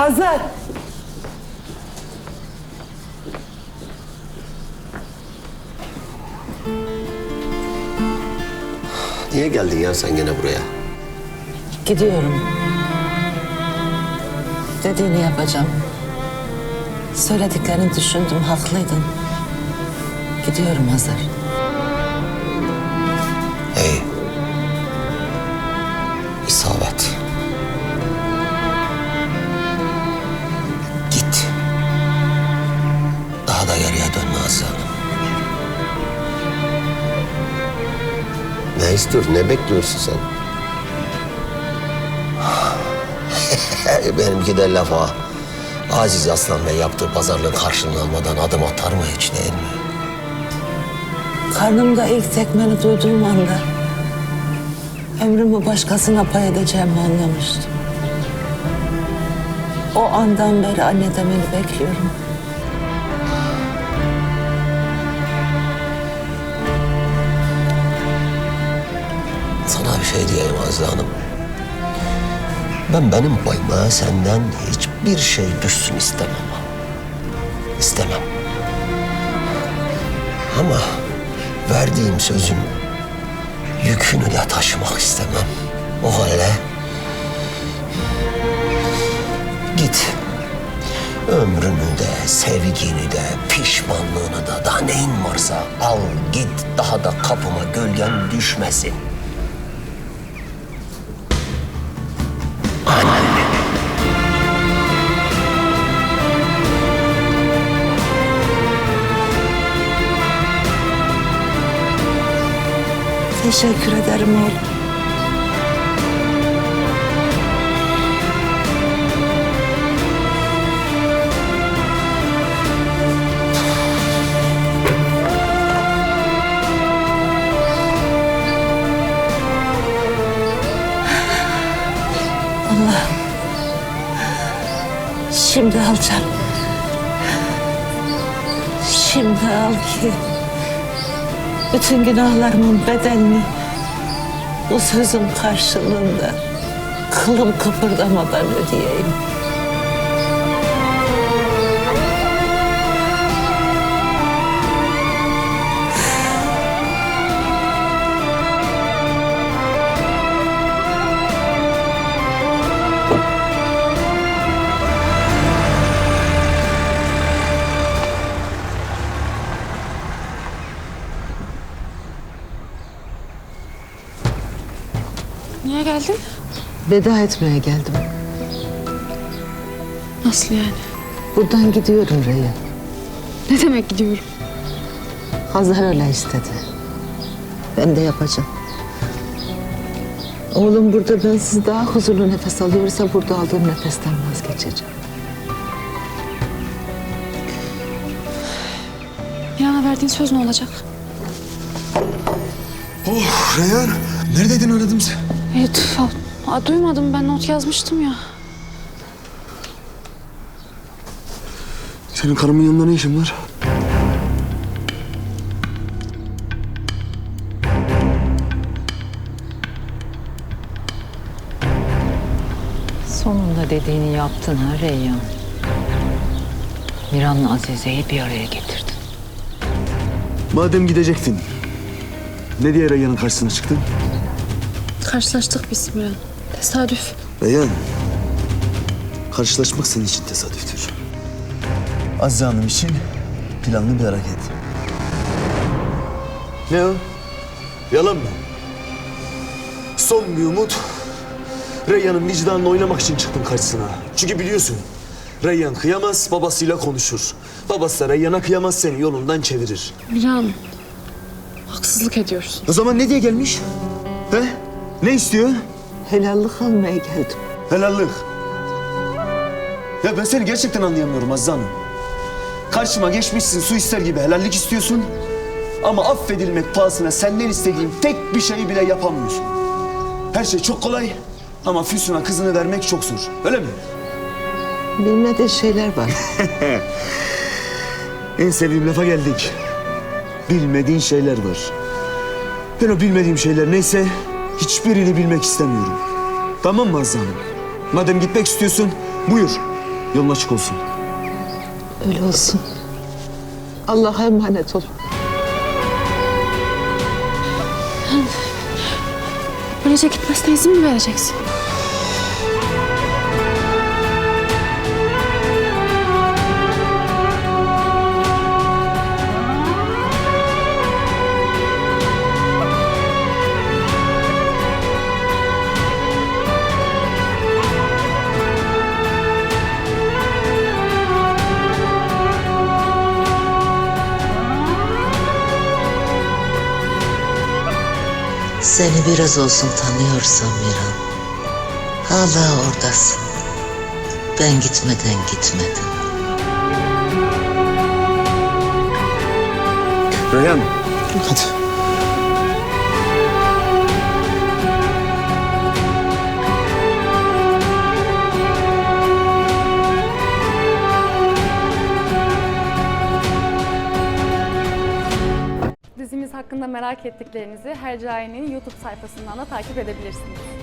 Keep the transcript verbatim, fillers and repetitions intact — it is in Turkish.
Hazır. Niye geldin ya sen gene buraya? Gidiyorum. Dediğini yapacağım. Söylediklerini düşündüm, haklıydın. Gidiyorum Hazar. Hey. İsabet. Git. Daha da geriye dönme Azize Hanım. Ne istiyorsun, ne bekliyorsun sen? Benimki de laf ha. Aziz Aslan Bey yaptığı pazarlığın karşılığını almadan adım atar mı hiç, değil mi? Karnımda ilk tekmeni duyduğum anda ömrümü başkasına pay edeceğimi anlamıştım. O andan beri anne demeni bekliyorum. Sana bir şey diyeyim Azize Hanım. Ben benim payıma senden hiçbir şey düşsün istemem. İstemem. Ama verdiğim sözün yükünü de taşımak istemem. O halde git. Ömrünü de, sevgini de, pişmanlığını da, daha neyin varsa al git. Daha da kapıma gölgen düşmesin. Teşekkür ederim oğlum. Allah'ım. Şimdi al canım. Şimdi al ki bütün günahlarımın bedelini bu sözün karşılığında kılım kıpırdamadan ödeyeyim. Niye geldin? Veda etmeye geldim. Nasıl yani? Buradan gidiyorum Reyhan. Ne demek gidiyorum? Hazar öyle istedi. Ben de yapacağım. Oğlum burada bensiz daha huzurlu nefes alıyorsa burada aldığım nefesten vazgeçeceğim. Miran'a verdiğin söz ne olacak? Oh Reyhan, neredeydin aradım sen? Evet, aa, duymadım, ben not yazmıştım ya. Senin karımın yanında ne işin var? Sonunda dediğini yaptın ha Reyhan. Miran'la Azize'yi bir araya getirdin. Madem gidecektin, ne diye Reyhan'ın karşısına çıktın? Karşılaştık biz Miran. Tesadüf. Reyhan, karşılaşmak senin için tesadüftür. Azize Hanım için planlı bir hareket. Ne o? Yalan mı? Son bir umut. Reyhan'ın vicdanını oynamak için çıktım karşısına. Çünkü biliyorsun, Reyhan kıyamaz, babasıyla konuşur. Babası da Reyhan'a kıyamaz, seni yolundan çevirir. Miran, haksızlık ediyorsun. O zaman ne diye gelmiş? He? Ne istiyor? Helallik almaya geldim. Helallik. Ya ben seni gerçekten anlayamıyorum Azize Hanım. Karşıma geçmişsin, su ister gibi helallik istiyorsun. Ama affedilmek pahasına senden istediğim tek bir şeyi bile yapamıyorsun. Her şey çok kolay ama Füsun'a kızını vermek çok zor. Öyle mi? Bilmediği şeyler var. En sevdiğim lafa geldik. Bilmediğin şeyler var. Ben o bilmediğim şeyler neyse hiçbirini bilmek istemiyorum. Tamam mı Azize Hanım? Madem gitmek istiyorsun buyur. Yolun açık olsun. Öyle olsun. Allah'a emanet ol. Böylece gitmesine izin mi vereceksin? Seni biraz olsun tanıyorsam Miran, hala oradasın. Ben gitmeden gitmedin. Reyhan. Hadi. Dizimiz hakkında merak ettiklerinizi Hercai'nin YouTube sayfasından da takip edebilirsiniz.